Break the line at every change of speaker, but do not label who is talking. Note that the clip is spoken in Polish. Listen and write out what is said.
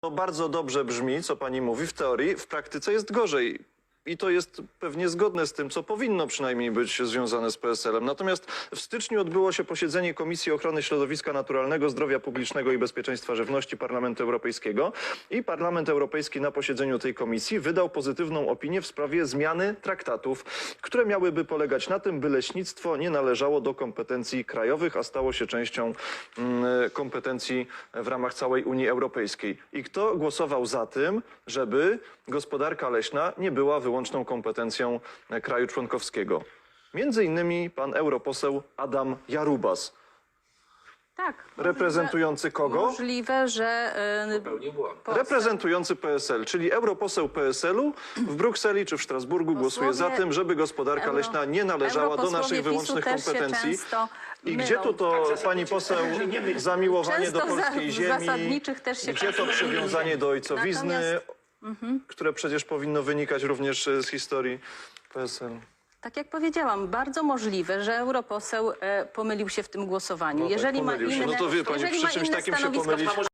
To bardzo dobrze brzmi, co pani mówi w teorii, w praktyce jest gorzej. I to jest pewnie zgodne z tym, co powinno przynajmniej być związane z PSL-em. Natomiast w styczniu odbyło się posiedzenie Komisji Ochrony Środowiska Naturalnego, Zdrowia Publicznego i Bezpieczeństwa Żywności Parlamentu Europejskiego. I Parlament Europejski na posiedzeniu tej komisji wydał pozytywną opinię w sprawie zmiany traktatów, które miałyby polegać na tym, by leśnictwo nie należało do kompetencji krajowych, a stało się częścią kompetencji w ramach całej Unii Europejskiej. I kto głosował za tym, żeby gospodarka leśna nie była wyłączną kompetencją kraju członkowskiego? Między innymi pan europoseł Adam Jarubas.
Tak.
Reprezentujący kogo?
Możliwe, że...
Reprezentujący PSL, czyli europoseł PSL-u w Brukseli czy w Strasburgu głosuje za tym, żeby gospodarka leśna nie należała do naszych wyłącznych kompetencji. I gdzie tu to, pani poseł, zamiłowanie do polskiej ziemi, gdzie to przywiązanie do ojcowizny, które przecież powinno wynikać również z historii PSL?
Tak jak powiedziałam, bardzo możliwe, że europoseł pomylił się w tym głosowaniu.
No tak,
jeżeli ma
pomylił się.
inne,
No to wie pani,
jeżeli
przy
ma
czymś
inne
takim się
stanowisko,
pomylić.